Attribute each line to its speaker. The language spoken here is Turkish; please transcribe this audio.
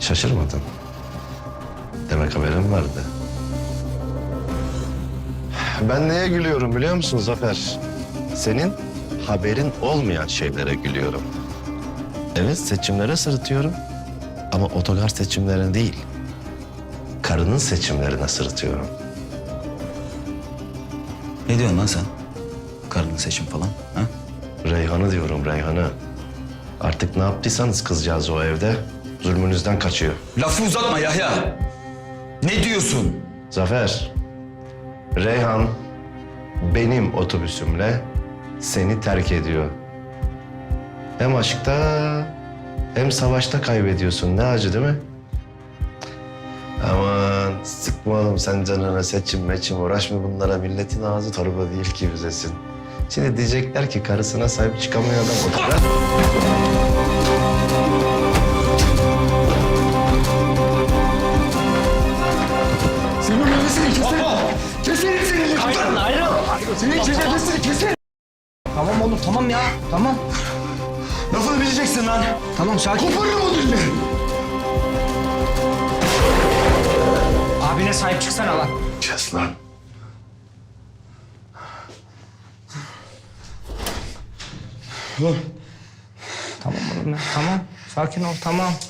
Speaker 1: Şaşırmadın. Demek haberin vardı. Ben neye gülüyorum biliyor musun Zafer? Senin haberin olmayan şeylere gülüyorum. Evet, seçimlere sırıtıyorum. Ama otogar seçimlerine değil, karının seçimlerine sırıtıyorum.
Speaker 2: Ne diyorsun lan sen? Karının seçim falan, ha?
Speaker 1: Reyhan'ı diyorum, Reyhan'ı. Artık ne yaptıysanız kızcağız o evde zulmünüzden kaçıyor.
Speaker 2: Lafı uzatma Yahya. Ne diyorsun?
Speaker 1: Zafer, Reyhan benim otobüsümle seni terk ediyor. Hem aşkta hem savaşta kaybediyorsun. Ne acı değil mi? Aman sıkma oğlum sen canına, seçim meçim uğraşma bunlara. Milletin ağzı torba değil ki büzesin. Şimdi diyecekler ki karısına sahip çıkamıyor adam otogar.
Speaker 3: Senin nefesini keserim. Keserim senin nefesini.
Speaker 4: Hayır, ayrıl.
Speaker 3: Senin nefesini keserim.
Speaker 4: Tamam oğlum, tamam ya. Tamam.
Speaker 3: Lafını bileceksin lan.
Speaker 4: Tamam, sakin.
Speaker 3: Koparırım o dilini.
Speaker 4: Abine sahip çıksana lan.
Speaker 3: Kes lan.
Speaker 4: Tamam oğlum ya, tamam. Sakin ol, tamam.